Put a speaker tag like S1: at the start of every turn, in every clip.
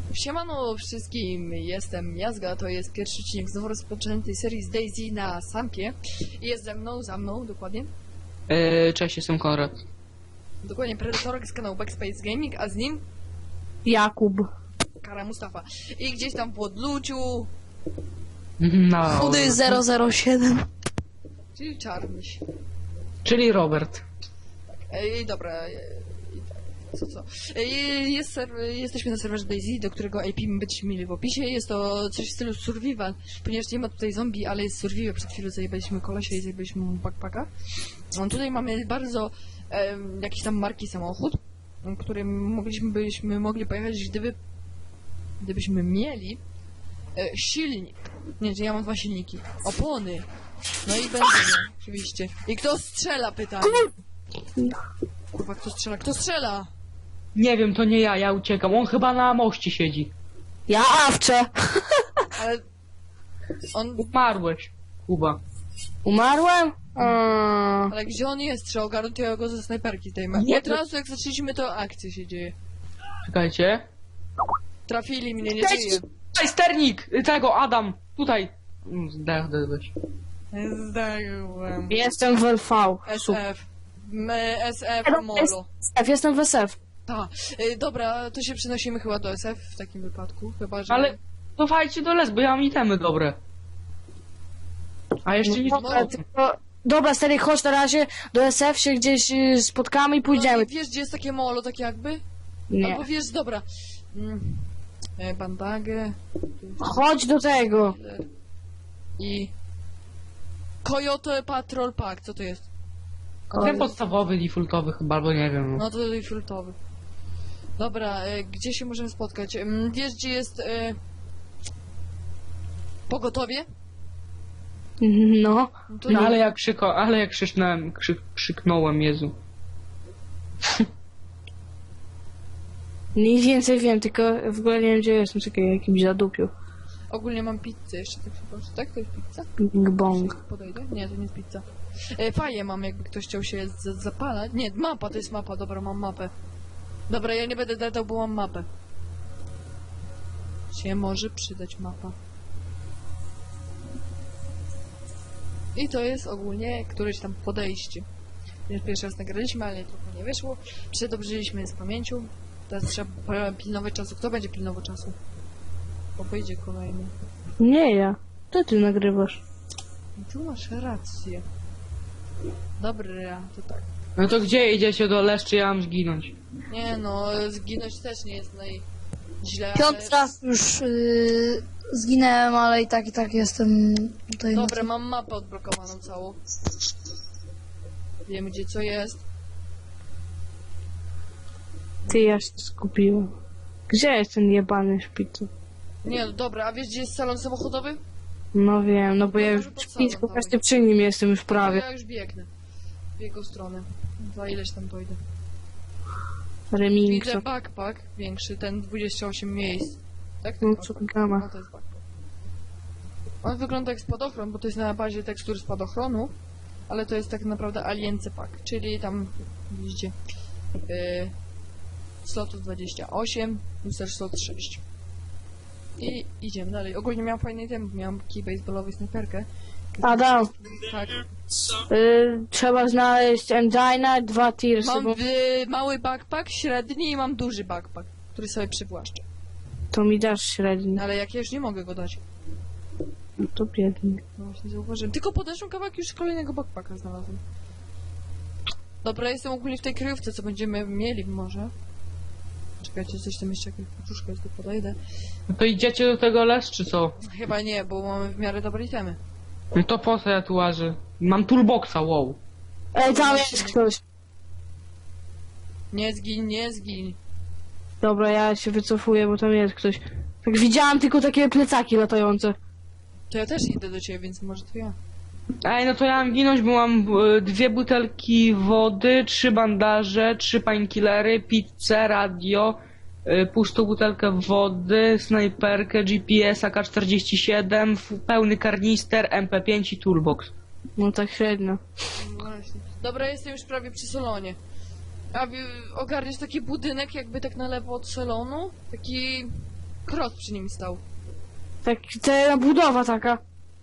S1: Siemano wszystkim, jestem Jazga, to jest pierwszy odcinek znowu rozpoczętej serii z Daisy na Sampie. I jest za mną, dokładnie.
S2: Cześć, jestem Konrad.
S1: Dokładnie, Predatorek z kanału Backspace Gaming, a z nim
S3: Jakub.
S1: Kara Mustafa. I gdzieś tam w odluciu,
S2: No.
S3: Chudy 007.
S1: czyli Czarnyś.
S2: Czyli Robert.
S1: Dobra, co? Jesteśmy na serwerze Daisy, do którego IP będziecie mieli w opisie. Jest to coś w stylu survival, ponieważ nie ma tutaj zombie, ale jest survival. Przed chwilą zajebaliśmy kolesia i zajebaliśmy mu backpacka. Tutaj mamy bardzo jakiś tam marki samochód, którym byśmy mogli pojechać, gdybyśmy mieli silnik. Nie, że ja mam 2 silniki. Opony. No i benzyny, oczywiście. I kto strzela, pytanie? Kurwa, kto strzela? Kto strzela?
S2: Nie wiem, to nie ja uciekam. On chyba na moście siedzi.
S3: Ja awczę.
S1: Ale... On...
S2: Umarłeś, Kuba.
S3: Umarłem?
S1: Ale gdzie on jest? Trzeba ogarnąć go ze snajperki tej ma.
S2: Nie,
S1: Od razu jak zaczęliśmy, to akcja się dzieje.
S2: Czekajcie.
S1: Trafili mnie, nie
S2: Cześć!
S1: żyje.
S2: Tutaj sternik! Tego, Adam! Tutaj! Zdechłeś.
S1: Zdałem.
S3: Jestem w LV.
S1: SF. SF Molo.
S3: Jestem w SF.
S1: Ta. Dobra, to się przenosimy chyba do SF w takim wypadku. Chyba, że...
S2: Ale cofajcie do les, bo ja mam itemy dobre. A jeszcze nie...
S3: Dobra, stary, chodź na razie do SF, się gdzieś spotkamy i pójdziemy.
S1: No, wiesz, gdzie jest takie molo, tak jakby?
S3: Nie.
S1: Albo wiesz, dobra. Bandagę.
S3: Chodź do tego.
S1: I... Coyote Patrol Pack, co to jest?
S2: Ten podstawowy, defaultowy chyba, albo nie wiem.
S1: No to filtrowy. Dobra, gdzie się możemy spotkać? Wiesz, gdzie jest pogotowie?
S3: No.
S1: To
S2: No
S1: nie.
S2: ale jak krzyknąłem, Jezu.
S3: Nic więcej wiem, tylko w ogóle nie wiem, gdzie jestem, czekaj, jakimś zadupiu.
S1: Ogólnie mam pizzę jeszcze, tak się proszę. Tak? To jest pizza?
S3: Bing bong.
S1: Podejdę? Nie, to nie jest pizza. Faję mam, jakby ktoś chciał się zapalać. Nie, mapa, to jest mapa, dobra, mam mapę. Dobra, ja nie będę dadał, bo mam mapę. Się może przydać mapa. I to jest ogólnie któreś tam podejście. Więc pierwszy raz nagraliśmy, ale trochę nie wyszło. Przedobrzyliśmy z pamięcią. Teraz trzeba pilnować czasu. Kto będzie pilnował czasu? Bo wyjdzie kolejny.
S3: Nie ja. To ty nagrywasz.
S1: Tu masz rację. Dobra, to tak.
S2: No to gdzie idziecie do les, czy ja mam zginąć?
S1: Nie no, zginąć też nie jest źle,
S4: Piąty raz już zginęłem, ale i tak jestem tutaj.
S1: Dobra, mam mapę odblokowaną całą. Wiemy, gdzie co jest.
S3: Ty ja się skupiłem. Gdzie jest ten jebany szpicu?
S1: Nie, no dobra, a wiesz, gdzie jest salon samochodowy?
S3: No wiem, no bo ja
S1: No
S3: już
S1: może pod
S3: blisko
S1: salon,
S3: właśnie przy nim jestem już prawie.
S1: Ja już biegnę. W jego stronę. Za ileś tam dojdę.
S3: Remington.
S1: Widzę backpack większy, ten 28 miejsc. Tak?
S3: No
S1: Tak,
S3: co
S1: backpack.
S3: gama.
S1: No to jest backpack. On wygląda jak spadochron, bo to jest na bazie tekstur spadochronu, ale to jest tak naprawdę alience pack, czyli tam widzicie slotów 28 plus też slot 6. I idziemy dalej. Ogólnie miałem fajny item, miałem kij baseballowy, snajperkę.
S3: Adam,
S1: Tak.
S3: trzeba znaleźć engine, 2 tirsy,
S1: Mam
S3: bo
S1: mały backpack, średni i mam duży backpack, który sobie przywłaszczę.
S3: to mi dasz średni.
S1: Ale jak ja już nie mogę go dać.
S3: No to biedny.
S1: No właśnie zauważyłem. Tylko podeszłem kawałek, już kolejnego backpacka znalazłem. Dobra, jestem ogólnie w tej kryjówce, co będziemy mieli może. Czekajcie, coś tam jeszcze, jakaś paczuszka jest, tu podejdę.
S2: No to idziecie do tego les, czy co?
S1: Chyba nie, bo mamy w miarę dobre itemy.
S2: No to po co ja tu łażę? Mam toolboxa, wow.
S3: Ej, tam jest ktoś.
S1: Nie zgin, nie zgin.
S3: Dobra, ja się wycofuję, bo tam jest ktoś. Tak widziałam tylko takie plecaki latające.
S1: To ja też idę do ciebie, więc może to ja.
S2: Ej, no to ja mam ginąć, bo mam 2 butelki wody, 3 bandaże, 3 painkillery, pizzę, radio, pustą butelkę wody, snajperkę, GPS, AK-47, pełny karnister, MP5 i toolbox.
S3: No tak średnio.
S1: No właśnie. Dobra, jestem już prawie przy salonie. A ogarniesz taki budynek jakby tak na lewo od salonu? Taki Krot przy nim stał.
S3: Tak, ta budowa taka.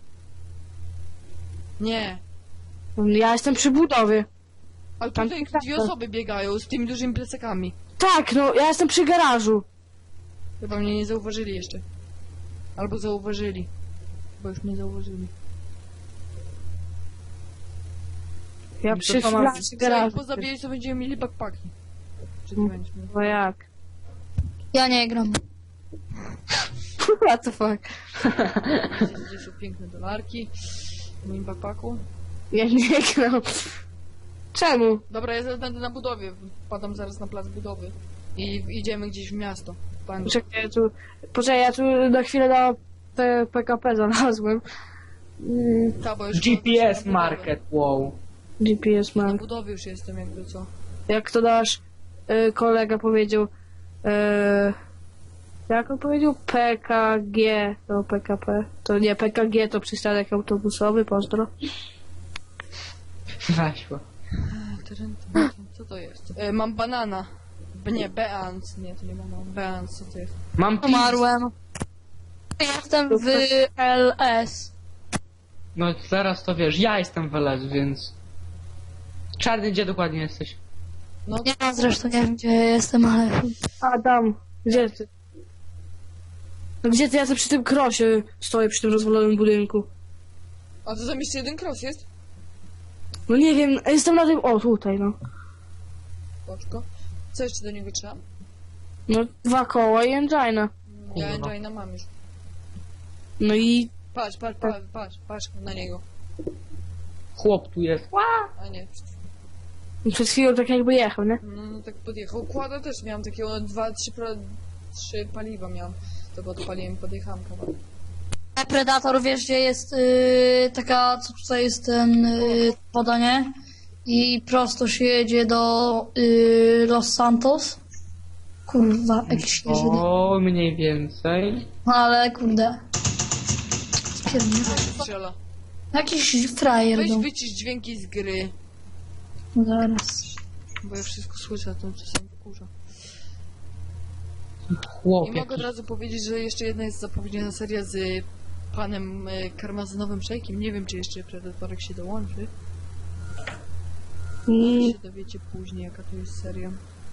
S1: Nie.
S3: Ja jestem przy budowie.
S1: Ale
S3: Tam
S1: tutaj
S3: tak,
S1: dwie
S3: tak.
S1: osoby biegają z tymi dużymi plecakami.
S3: Tak, no, ja jestem przy garażu.
S1: Chyba mnie nie zauważyli jeszcze. Albo zauważyli. Bo już mnie zauważyli.
S3: Ja
S2: To
S3: przy
S2: to mam-
S3: przy
S1: Co jak
S3: garażu.
S1: pozabijać, to będziemy mieli backpacki. Czy ty
S3: Mm.
S1: będziesz miał?
S3: No jak?
S4: Ja nie gram.
S3: What the fuck?
S1: Gdzie są piękne dolarki w moim backpacku.
S3: Ja nie gram. Czemu?
S1: Dobra, ja zaraz będę na budowie. Wpadam zaraz na plac budowy. I idziemy gdzieś w miasto. Pan.
S3: Poczekaj, ja tu na chwilę na PKP znalazłem.
S1: Ta, bo już
S2: GPS
S1: na budowę.
S2: Market, wow.
S3: GPS
S1: Na
S3: mam.
S1: budowie już jestem, jakby co.
S3: Jak to nasz kolega powiedział, jak on powiedział? PKG, to PKP. To nie, PKG to przystanek autobusowy, pozdro.
S2: Weszło.
S1: Co to jest? Mam banana. Nie, Beans. Nie, to nie banana. Beans, co to jest?
S2: Mam pis.
S4: Umarłem. Jestem w LS.
S2: No zaraz to wiesz, ja jestem w LS, więc... Czarny, gdzie dokładnie jesteś?
S1: No,
S4: Ja zresztą nie wiem, gdzie jestem, ale...
S3: Adam, gdzie ty? No gdzie ty? Ja tu przy tym krosie stoję, przy tym rozwalonym budynku.
S1: a to tam jeszcze jeden cross jest?
S3: No nie wiem, jestem na tym... O, tutaj, no.
S1: Poczko. Co jeszcze do niego trzeba?
S3: No, 2 koła i engina.
S1: Ja
S2: Kurwa.
S1: engina mam już.
S3: No i...
S1: Patrz na niego.
S2: Chłop tu jest.
S1: A nie,
S3: Przed chwilą tak jakby jechał, nie?
S1: no tak podjechał. Kłada też miałam takiego 3 paliwa miałam. To go odpaliłem i podjechałam kawałek.
S4: Predator, wiesz, gdzie jest taka, co tutaj jest ten woda, nie? I prosto się jedzie do Los Santos. Kurwa, jakiś jeżeli.
S2: O, mniej więcej.
S4: No ale kurde. Spierdolę.
S1: Strzela.
S4: Jakiś frajer
S1: Weź
S4: był.
S1: wycisz dźwięki z gry.
S4: Zaraz.
S1: Bo ja wszystko słyszę, a to czasami wkurza.
S2: Chłop
S1: I mogę od
S2: jakiś.
S1: razu powiedzieć, że jeszcze jedna jest zapowiedziana seria z panem karmazynowym szejkiem. Nie wiem, czy jeszcze Predatorek się dołączy.
S3: I...
S1: się dowiecie później, jaka to jest seria.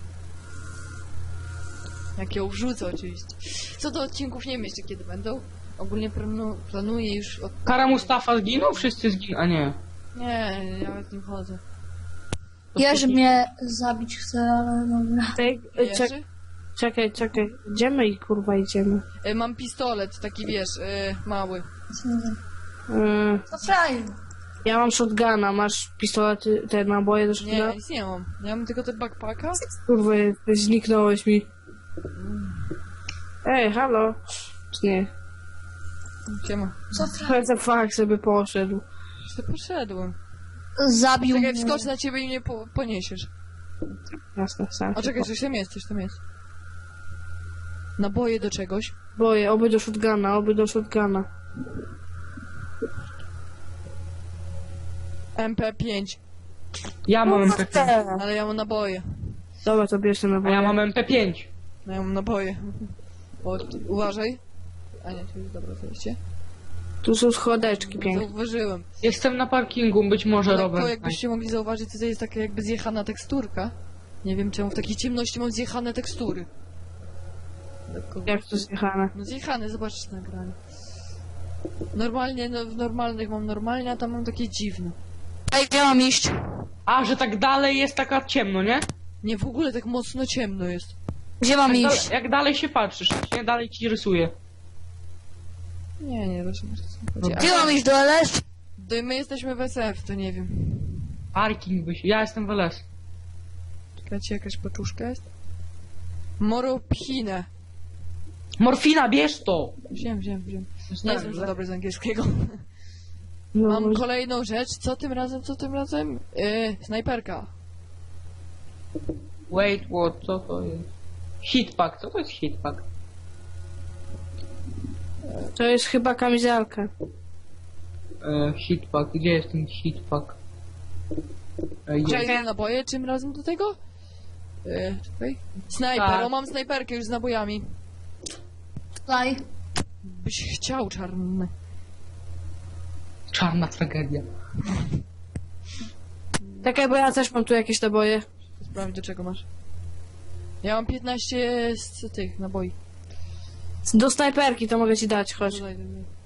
S1: Jak ją wrzucę oczywiście. Co do odcinków nie wiem jeszcze kiedy będą. Ogólnie planuję już od...
S2: Kara Mustafa zginął? Wszyscy zginęli. A nie.
S1: Nie, ja nawet nie chodzę.
S4: Jerzy mnie zabić chce, ale dobra.
S1: Jerzy?
S3: Czekaj. Gdzie my i kurwa idziemy?
S1: Mam pistolet, taki wiesz, mały.
S4: To frajer.
S3: Ja mam shotguna, masz pistolety, te naboje do
S1: Nie,
S3: shotguna?
S1: ja nic nie mam. Ja mam tylko te backpacka.
S3: Kurwa, zniknąłeś mi. Ej, halo? Czy nie?
S1: Gdzie ma?
S4: Co frajer?
S3: What the fuck sobie poszedł.
S1: Już to poszedłem.
S4: Zabił
S1: Czekaj,
S4: mnie.
S1: wskocz na ciebie i mnie poniesiesz.
S3: Jasne, sam.
S1: O, czekaj, coś tam jest. Naboje do czegoś.
S3: Boję, oby do shotguna.
S1: MP5.
S2: Ja mam MP5.
S1: Ale ja mam naboje.
S3: Dobra, to bierz te
S2: A
S3: naboje.
S2: ja mam MP5.
S1: No ja mam naboje. O, uważaj. A nie, to jest dobre zejście.
S3: Tu są schodeczki piękne.
S1: Zauważyłem.
S2: Jestem na parkingu, być może
S1: Lekko,
S2: Robert.
S1: jakbyście mogli zauważyć, to jest taka jakby zjechana teksturka. Nie wiem czemu w takiej ciemności mam zjechane tekstury. Lekko.
S3: Jak to zjechane?
S1: No zjechane, zobaczysz na nagranie. Normalnie, no w normalnych mam normalnie, a tam mam takie dziwne.
S4: Ej, gdzie mam iść?
S2: A, że tak dalej jest taka ciemno, nie?
S1: Nie, w ogóle tak mocno ciemno jest.
S4: Gdzie mam
S2: Jak,
S4: iść?
S2: jak dalej się patrzysz, nie dalej ci rysuje.
S1: Nie, rozumiem, co chodzi.
S4: Gdzie mam iść do LS?
S1: My jesteśmy w SF, to nie wiem.
S2: Parking byś. Ja jestem w LS.
S1: Czekajcie, jakaś paczuszka jest? Moropchinę.
S2: Morfina, bierz to!
S1: Wziąłem. Nie jestem za dobry z angielskiego.
S3: No,
S1: Mam kolejną rzecz. Co tym razem? Snajperka.
S2: Wait, what? Co to jest? Hitpack, co to jest hitpack?
S3: to jest chyba kamizelka.
S2: Hitpack, gdzie jest ten hitpack? Jest.
S1: Czekaj, naboje czym razem do tego? Czekaj. Snajper,
S2: Tak.
S1: o mam snajperkę już z nabojami.
S4: Daj.
S1: Byś chciał czarny.
S2: Czarna tragedia.
S3: Czekaj, bo ja też mam tu jakieś naboje.
S1: Sprawdź, do czego masz. Ja mam 15 z tych naboi.
S3: Do snajperki to mogę ci dać, chodź.
S1: Dodaj.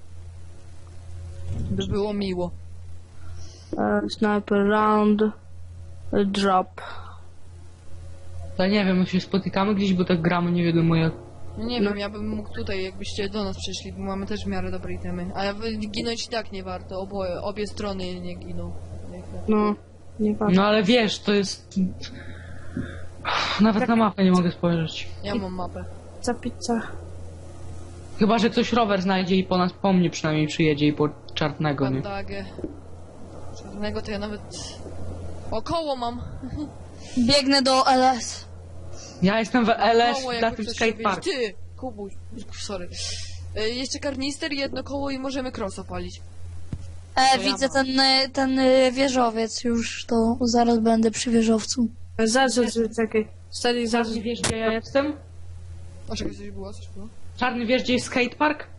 S1: By było miło.
S3: Sniper round. Drop.
S2: Ja nie wiem, my się spotykamy gdzieś, bo tak gramy nie wiadomo jak.
S1: No nie wiem, ja bym mógł tutaj, jakbyście do nas przyszli, bo mamy też w miarę dobre itemy. A ginąć i tak nie warto, obie strony nie giną.
S3: No, nie patrz.
S2: No ale wiesz, to jest... Nawet na mapę nie mogę spojrzeć.
S1: Ja mam mapę.
S3: Pizza.
S2: Chyba, że ktoś rower znajdzie i po mnie przynajmniej przyjedzie i po czarnego, nie?
S1: Bandagę. Czarnego to ja nawet... Około mam.
S4: Biegnę do LS.
S2: Ja jestem w LS
S1: Koło,
S2: na
S1: jakby
S2: tym
S1: ktoś
S2: skateparku.
S1: się wie- Ty! Kubuś. Sorry. Jeszcze karnister, jedno koło i możemy cross opalić. To ja
S4: Widzę
S1: mam.
S4: ten wieżowiec już, to zaraz będę przy wieżowcu.
S3: Zaraz, czekaj. Stary, zaraz.
S2: Czarny, wiesz gdzie ja jestem?
S1: O, czekaj, coś było, coś było.
S2: Czarny, wiesz gdzie jest skatepark?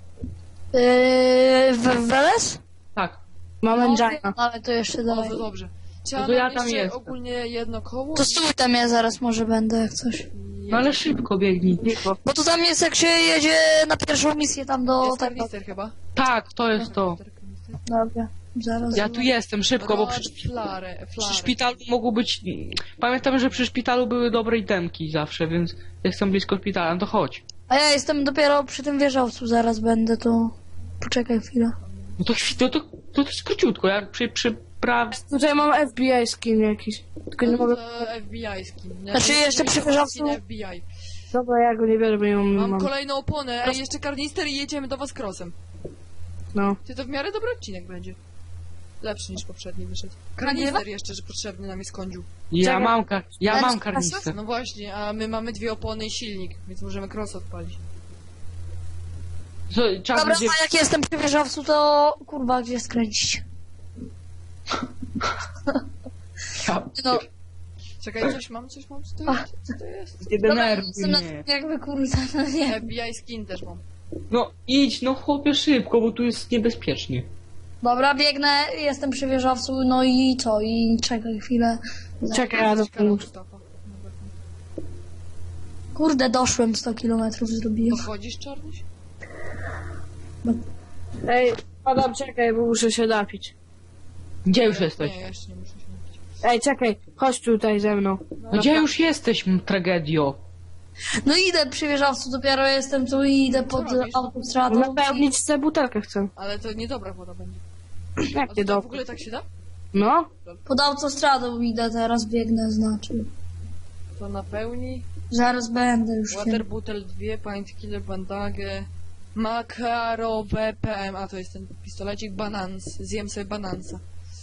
S4: W LS?
S2: Tak.
S3: Mam
S4: No,
S3: engina.
S4: ale to jeszcze
S1: O,
S4: dalej.
S1: to dobrze. Trzeba
S2: to ja
S1: nam
S2: tam
S1: jeszcze
S2: jestem.
S1: ogólnie jedno koło.
S4: To stój tam, ja zaraz może będę jak coś.
S2: No ale szybko biegnij.
S4: Bo to tam jest jak się jedzie na pierwszą misję tam do
S1: Jest
S4: tego.
S1: karnister chyba.
S2: Tak, to jest to.
S4: Dobra, zaraz.
S2: Ja tu jestem, szybko, bo przy
S1: Flarę.
S2: szpitalu mogło być... Pamiętam, że przy szpitalu były dobre itemki zawsze, więc jestem blisko szpitala, no to chodź.
S4: A ja jestem dopiero przy tym wieżowcu, zaraz będę, to... Poczekaj chwilę.
S2: No to jest króciutko, jak przy
S3: Tutaj mam FBI skin jakiś. Tylko nie mogę.
S1: To FBI skin. Nie?
S4: Znaczy, jeszcze przy wieżowcu-
S1: Skin FBI.
S3: Dobra, ja go nie biorę, bo nie
S1: Mam
S3: mam.
S1: kolejną oponę, ej, jeszcze karnister i jedziemy do was crossem.
S3: No.
S1: Ty, to w miarę dobry odcinek będzie. Lepszy niż poprzedni wyszedł. Karnister jeszcze, że potrzebny nam jest kądziu.
S2: Ja mam
S4: Znaczy,
S2: karnicę.
S1: No właśnie, a my mamy 2 opony i silnik, więc możemy cross odpalić.
S2: Czarny,
S4: Dobra,
S2: gdzie...
S4: a jak jestem przy wieżowcu, to... Kurwa, gdzie skręcić? No,
S1: Czekaj, coś mam, co to jest? Co to jest?
S2: Nie
S4: dobra,
S2: denerwuj
S4: jestem na
S2: mnie.
S4: jakby kurwa, no nie.
S1: FBI skin też mam.
S2: No idź, no chłopie szybko, bo tu jest niebezpiecznie.
S4: Dobra, biegnę, jestem przy wieżowcu, no i co? I czekaj chwilę.
S3: Czekaj, ja
S1: Coś kanał
S3: dopomóż.
S1: Mustafa.
S4: Kurde, doszłem 100 kilometrów, zrobiłem.
S1: Podchodzisz, Czarnyś?
S3: Ej, Adam, czekaj, bo muszę się napić.
S2: Gdzie już jesteś?
S1: Nie, jeszcze nie muszę się napić.
S3: Ej, czekaj, chodź tutaj ze mną.
S2: No gdzie już jesteś, tragedio?
S4: No idę przy wieżowcu, dopiero jestem tu i idę pod
S1: robisz?
S4: autostradą.
S3: Napełnić tę butelkę chcę.
S1: Ale to niedobra woda będzie. A
S3: Jak
S1: to
S3: nie
S1: w
S3: do.
S1: ogóle tak się da?
S3: No?
S4: Pod autostradą idę teraz, biegnę, znaczy.
S1: To napełni.
S4: Zaraz będę już.
S1: Water bottle 2, pint killer, bandagę. Makarowe PM. A to jest ten pistolecik, banans. Zjem sobie banansa.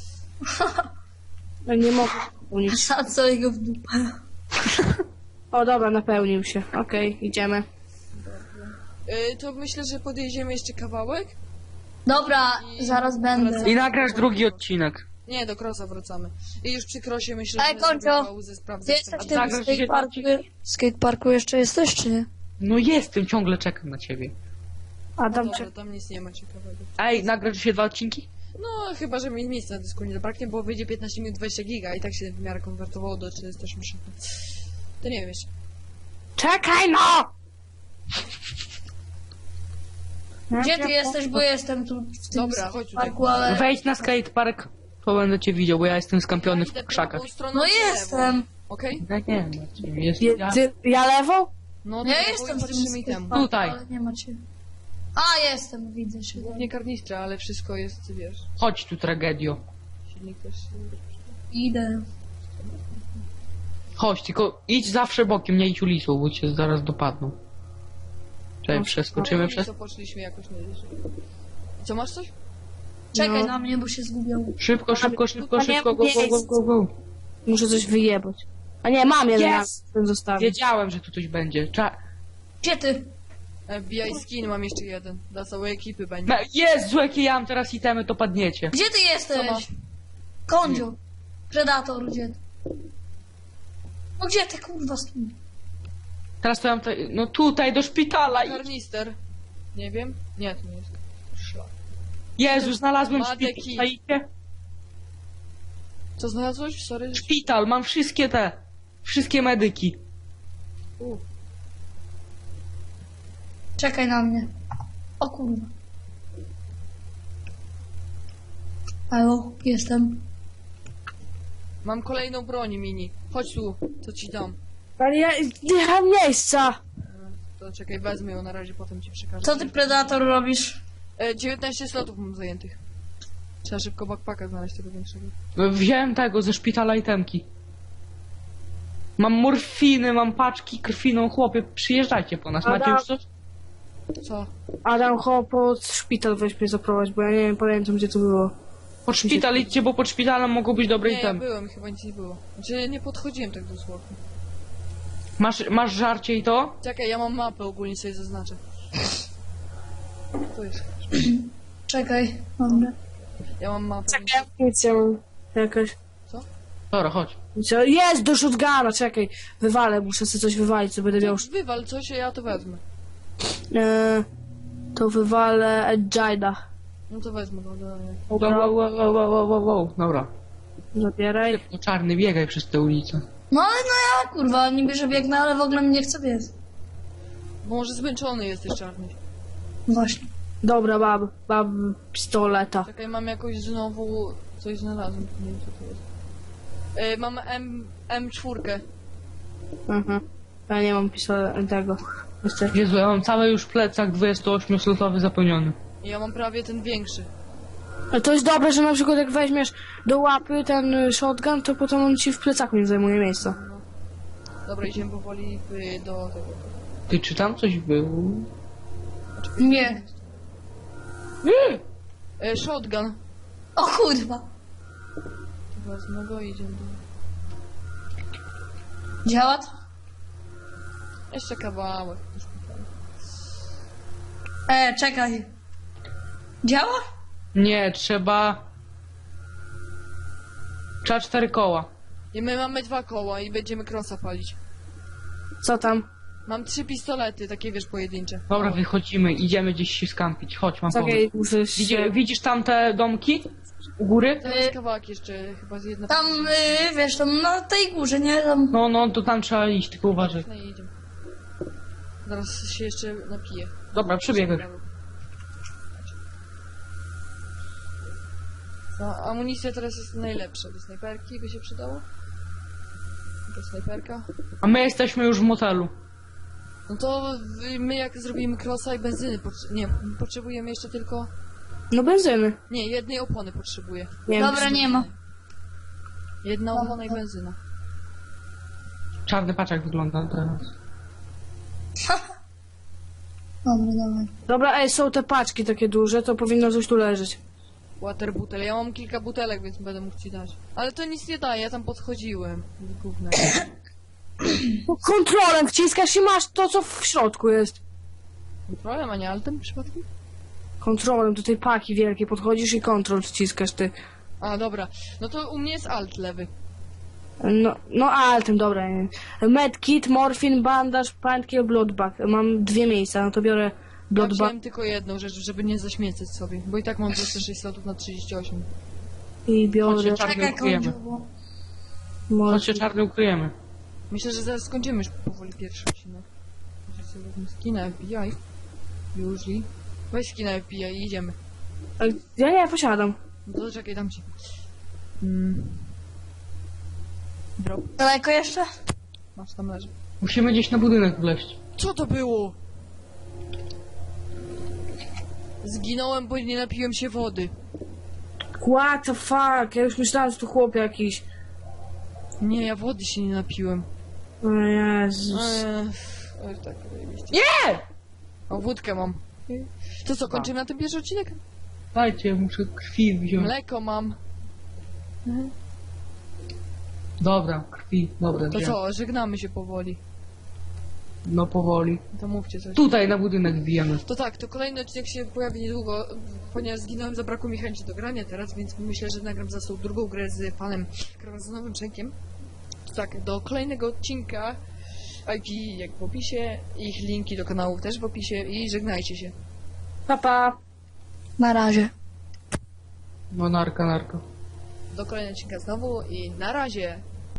S3: Ja nie mogę napełnić.
S4: A co jego w dupę?
S3: O, dobra, napełnił się. Okej, idziemy.
S1: To myślę, że podjedziemy jeszcze kawałek.
S4: Dobra,
S1: I
S4: zaraz będę.
S1: wracamy.
S2: I nagrasz drugi odcinek.
S1: Nie, do Krosa wracamy. I już przy Krosie myślę,
S4: Ej,
S1: że
S4: Koncio,
S1: zrobię pauzę, sprawdzę.
S4: Ty jesteś w tym
S2: Zagrasz dzisiaj
S4: skateparku? Skateparku jeszcze jesteś, czy nie?
S2: No jestem, ciągle czekam na ciebie.
S3: Adam,
S1: Dobra, tam nic nie ma ciekawego.
S2: Ej, nagrasz dzisiaj 2 odcinki?
S1: No, chyba, że mi miejsca na dysku nie zabraknie, bo wyjdzie 15 minut 20 giga i tak się w miarę konwertowało do 480. To nie wiem jeszcze.
S3: czekaj no!
S4: Gdzie ty jesteś, bo jestem tu w tym
S1: Dobra, chodź tutaj.
S4: skateparku, ale...
S2: Wejdź na skatepark, to będę cię widział, bo ja jestem skampiony
S1: Idę
S2: w krzakach.
S1: prawą stroną
S4: No
S1: czy lewą?
S4: jestem.
S1: Okej?
S2: Nie, jest,
S3: Je, ja lewą?
S1: No to
S4: Ja
S1: lewą
S4: jestem
S1: i
S4: w tym
S1: patrzymy i temu.
S4: skateparku,
S2: Tutaj.
S4: ale nie macie. A, jestem, widzę się.
S1: Nie karnistra, ale wszystko jest, wiesz,
S2: Chodź tu, tragedio.
S1: silnik też.
S4: Idę.
S2: Chodź, tylko idź zawsze bokiem, nie idź ulicą, bo cię zaraz dopadną. Czekaj, przeskoczymy
S1: No i
S2: przez...
S1: to poszliśmy jakoś nie wiesz. Co, masz coś?
S4: Czekaj
S3: No.
S4: na mnie, bo się zgubią.
S2: Szybko, szybko, szybko,
S3: A nie
S2: szybko, go, go, go, go, go.
S3: Muszę coś wyjebać. A nie, mam jeden
S2: Jest!
S3: ten zostawię.
S2: Wiedziałem, że tu coś będzie.
S4: Gdzie ty?
S1: FBI skin mam jeszcze jeden. Dla całej ekipy będzie.
S2: Jezu, jakie ja mam teraz itemy, to padniecie.
S4: Gdzie ty
S1: Co masz?
S4: jesteś? Kondzio. Predator, gdzie ty? No gdzie ty, kurwa, stój?
S2: Teraz to ja mam... No tutaj, do szpitala i...
S1: Karnister. Nie wiem. Nie, to nie jest szlak.
S2: Jezu, znalazłem
S1: Madeki.
S2: szpital. Czaicie?
S1: Co znalazłeś? Sorry.
S2: Szpital, mam wszystkie medyki.
S1: U.
S4: Czekaj na mnie. O kurwa. Halo, jestem.
S1: Mam kolejną broń mini. Chodź tu, co ci dam.
S3: Ale ja nie mam miejsca.
S1: To czekaj, wezmę ją na razie, potem ci przekażę.
S4: Co ty, Predator, robisz?
S1: 19 slotów mam zajętych. Trzeba szybko backpacka znaleźć tego większego.
S2: Wziąłem tego ze szpitala itemki. Mam morfiny, mam paczki krwiną, chłopie, przyjeżdżajcie po nas. Macie
S3: Adam.
S2: już coś?
S1: Co?
S3: Adam, chodź pod szpital, weź mnie zaprowadź, bo ja nie wiem, pamiętam gdzie to było.
S2: Pod szpital idźcie, bo pod szpitalem mogą być dobre
S1: Nie, ja
S2: itemy.
S1: byłem, chyba nic nie było. Znaczy, nie podchodziłem tak dosłownie.
S2: Masz żarcie i to?
S1: Czekaj, ja mam mapę ogólnie, sobie zaznaczę. To jest.
S4: Czekaj, dobra.
S1: Ja mam mapę.
S3: Czekaj, amunicja mam jakaś.
S2: Dobra, chodź.
S3: Co? Jest, do shotguna, czekaj. Wywalę, muszę sobie coś wywalić, co będę miał.
S1: Wywal coś, a ja to wezmę.
S3: To wywalę Edgina.
S1: No to wezmę, no dobra.
S2: Wow. Dobra.
S3: Zabieraj.
S2: No czarny, biegaj przez tę ulicę.
S4: No ale no ja, kurwa, niby że biegnę, ale w ogóle mnie nie chce biec.
S1: Bo może zmęczony jesteś, czarny.
S4: Właśnie.
S3: Dobra, mam pistoleta.
S1: Czekaj, mam jakoś znowu coś znalazłem. Nie wiem, co to jest. Mam M4.
S3: Mhm. Ja nie mam pistoletu tego. Niestety.
S2: Jezu, ja mam cały już plecak 28-slotowy zapełniony.
S1: I ja mam prawie ten większy.
S3: Ale to jest dobre, że na przykład jak weźmiesz do łapy ten shotgun, to potem on ci w plecaku nie zajmuje miejsca.
S1: Dobra, idziemy powoli do tego.
S2: Ty, czy tam coś było?
S4: Nie.
S1: Shotgun.
S4: O kurwa.
S1: Wezmę go i idziemy do...
S4: Działa to?
S1: Jeszcze kawałek.
S4: Czekaj. Działa?
S2: Nie, trzeba 4 koła.
S1: I my mamy 2 koła i będziemy crossa palić.
S3: Co tam?
S1: Mam 3 pistolety, takie wiesz, pojedyncze.
S2: Dobra, wychodzimy, idziemy gdzieś się skampić. Chodź, mam pomysł.
S3: Czekaj, muszę się...
S2: Widzisz tam te domki? U góry?
S1: To jest kawałek jeszcze, chyba z jedna...
S4: Tam, wiesz, tam na tej górze, nie? Tam...
S2: No, to tam trzeba iść, tylko uważaj.
S1: No i idziemy. Zaraz się jeszcze napiję.
S2: Dobra, przebiegaj.
S1: No, amunicja teraz jest najlepsza. Do snajperki by się przydało. To snajperka.
S2: A my jesteśmy już w motelu.
S1: No to my jak zrobimy crossa i benzyny, nie, potrzebujemy jeszcze tylko...
S3: No benzyny.
S1: Nie, jednej opony potrzebuję.
S3: Nie wiem,
S4: Dobra, nie ma.
S1: Jedna opona i benzyna.
S2: Czarny paczek wygląda teraz.
S4: Dobra.
S3: Dobra, są te paczki takie duże, to powinno coś tu leżeć.
S1: Water butel. Ja mam kilka butelek, więc będę mógł ci dać. Ale to nic nie daje, ja tam podchodziłem. Gówno.
S3: Kontrolem wciskasz i masz to, co w środku jest.
S1: Problem, a nie altem przypadkiem?
S3: Kontrolem do tej paki wielkiej podchodzisz i kontrol wciskasz ty.
S1: A, dobra. No to u mnie jest alt lewy.
S3: No altem, dobra. Nie. Medkit, morfin, bandaż, paintkill, bloodbag. Mam 2 miejsca, no to biorę
S1: Ja
S3: bloodbag.
S1: wziąłem tylko jedną rzecz, żeby nie zaśmiecać sobie. Bo i tak mam 26 slotów na 38.
S3: I biorę
S2: Chodźcie, czarny
S4: Czekaj,
S2: ukryjemy.
S4: kończyło.
S2: Chodź się czarny ukryjemy.
S1: Myślę, że zaraz skończymy już powoli pierwszy odcinek. Może sobie wezmę skina FBI. Usually. Weź skina FBI i idziemy.
S3: Ja nie posiadam.
S1: No to czekaj, dam ci. Drop.
S4: Daleko jeszcze?
S1: Masz, tam leży.
S2: Musimy gdzieś na budynek wleźć.
S1: Co to było? Zginąłem, bo nie napiłem się wody.
S3: What the fuck? Ja już myślałem, że to chłop jakiś.
S1: Nie, ja wody się nie napiłem.
S3: O Jezus.
S1: Oj, tak, zajebiście.
S2: Nie!
S1: O, wódkę mam. To co, kończymy na tym pierwszy odcinek?
S2: Dajcie, muszę krwi wziąć.
S1: Mleko mam.
S2: Dobra, krwi, dobra.
S1: To
S2: wziąłem.
S1: co, żegnamy się powoli.
S2: No powoli.
S1: To mówcie coś.
S2: Tutaj na budynek wbijamy.
S1: To tak, to kolejny odcinek się pojawi niedługo, ponieważ zginąłem, zabrakło mi chęci do grania teraz, więc myślę, że nagram za tą drugą grę z panem Krawazonowym Czenkiem. To tak, do kolejnego odcinka, IP jak w opisie, ich linki do kanałów też w opisie i żegnajcie się.
S3: Pa, pa.
S4: Na razie.
S2: No narka.
S1: Do kolejnego odcinka znowu i na razie.